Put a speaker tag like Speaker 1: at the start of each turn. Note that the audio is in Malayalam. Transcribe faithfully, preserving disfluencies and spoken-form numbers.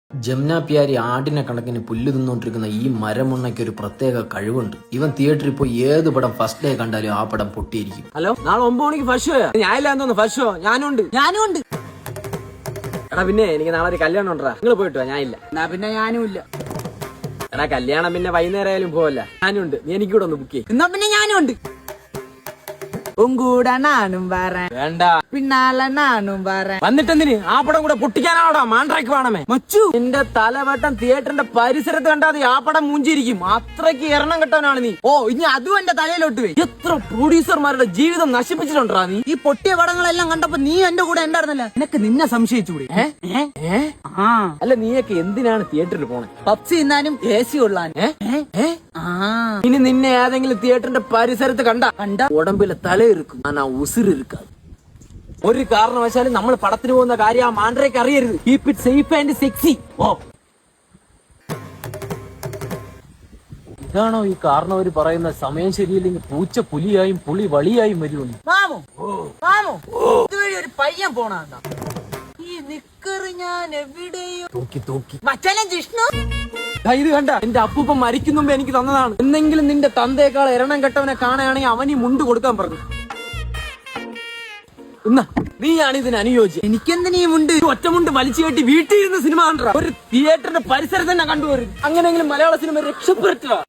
Speaker 1: ജമുന പ്യാരി ആടിനെ കണക്കിന് പുല്ല് തിന്നോണ്ടിരിക്കുന്ന ഈ മരമുണ്ണയ്ക്ക് ഒരു പ്രത്യേക കഴിവുണ്ട്. ഇവൻ തിയേറ്ററിൽ പോയി ഏത് പടം ഫസ്റ്റ് ഡേ കണ്ടാലും ആ പടം പൊട്ടിയിരിക്കും.
Speaker 2: ഹലോ, നാളെ ഒമ്പത് മണിക്ക് ഫസ്റ്റ് ഷോ. ഞാനില്ലാന്ന് തോന്നുന്നു. ഫസ്റ്റ് ഷോ ഞാനുണ്ട് ഞാനുണ്ട് എടാ. പിന്നെ എനിക്ക് നാളെ ഒരു കല്യാണം ഉണ്ടാ. നിങ്ങൾ പോയിട്ട് വാ, ഞാനില്ല. എന്നാ പിന്നെ ഞാനും ഇല്ല. എടാ, കല്യാണം പിന്നെ വൈകുന്നേരം ആയാലും പോവല്ല. ഞാനുണ്ട്. നീ എനിക്ക് കൂടെ ഒന്ന് ബുക്ക് ചെയ്യും. എന്നാ പിന്നെ ഞാനും ഉണ്ട്.
Speaker 3: ഉങ്കൂടെ നാനും വരാൻ
Speaker 2: വേണ്ട,
Speaker 3: പിന്നാലെ നാനും വരാൻ.
Speaker 2: വന്നിട്ടെന്തിന് ആ പടം കൂടെ പൊട്ടിക്കാനാണോടാ? മാൻട്രാക്ക് വേണമേ മച്ചു. നിന്റെ തലവട്ടം തിയേറ്ററിന്റെ പരിസരത്ത് കണ്ടാതെ ആ പടം മൂഞ്ചിരിക്കും. അത്രയ്ക്ക് എണ്ണം കെട്ടാനാണ് നീ.
Speaker 3: ഓ, ഇനി അതും എന്റെ തലയിലോട്ട് പോയി.
Speaker 2: എത്ര പ്രൊഡ്യൂസർമാരുടെ ജീവിതം നശിപ്പിച്ചിട്ടുണ്ടാ നീ.
Speaker 3: ഈ പൊട്ടിയ പടങ്ങളെല്ലാം കണ്ടപ്പോ നീ എന്റെ കൂടെ ഉണ്ടായിരുന്നല്ല.
Speaker 2: നിനക്ക് നിന്നെ സംശയിച്ചുകൂടി?
Speaker 3: ആ
Speaker 2: അല്ല, നീയൊക്കെ എന്തിനാണ് തിയേറ്ററിൽ പോണേ?
Speaker 3: പപ്സി തിന്നാനും എ സി കൊള്ളാൻ.
Speaker 2: ഇനി നിന്നെ ഏതെങ്കിലും തിയേറ്ററിന്റെ പരിസരത്ത് കണ്ട കണ്ട ഉടമ്പിലെ തലയിരിക്കും. ആനാ ഉസിരിക്കാതെ. ഒരു കാരണവശാലും നമ്മൾ പടത്തിന് പോകുന്ന കാര്യം ആ മാൻഡ്രയ്ക്ക് അറിയരുത്. Keep it safe and sexy. ഓ, ഇതാണോ ഈ കാരണവര് പറയുന്ന സമയം ശരിയില്ലെങ്കിൽ പൂച്ച പുലിയായും പുളി വളിയായും വരുമെന്ന്?
Speaker 3: മാമു മാമു ഇതുവഴി ഒരു പയ്യൻ പോണ ഈ നിക്കറ് ഞാൻ എവിടെയോ
Speaker 2: തൂക്കി തൂക്കി
Speaker 3: മച്ചാനെ ജിഷ്ണു.
Speaker 2: ദാ ഇത് കണ്ട, എന്റെ അപ്പൂപ്പൻ മരിക്കും മുമ്പ് എനിക്ക് തന്നതാണ്. എന്തെങ്കിലും നിന്റെ തന്തയേക്കാൾ എരണം കെട്ടവനെ കാണുകയാണെങ്കിൽ അവൻ ഈ മുണ്ട് കൊടുക്കാൻ പറഞ്ഞു. എന്നാ നീയാണ് ഇതിന് അനുയോജ്യം.
Speaker 3: എനിക്കെന്തിനീ മുണ്ട്?
Speaker 2: ഒറ്റമുണ്ട് വലിച്ചു കെട്ടി വീട്ടിൽ ഇരുന്ന് സിനിമ കണ്ട ഒരു തിയേറ്ററിന്റെ പരിസരത്ത് തന്നെ കണ്ടുവരും. അങ്ങനെയെങ്കിലും മലയാള സിനിമ രക്ഷപ്പെടുത്തുക.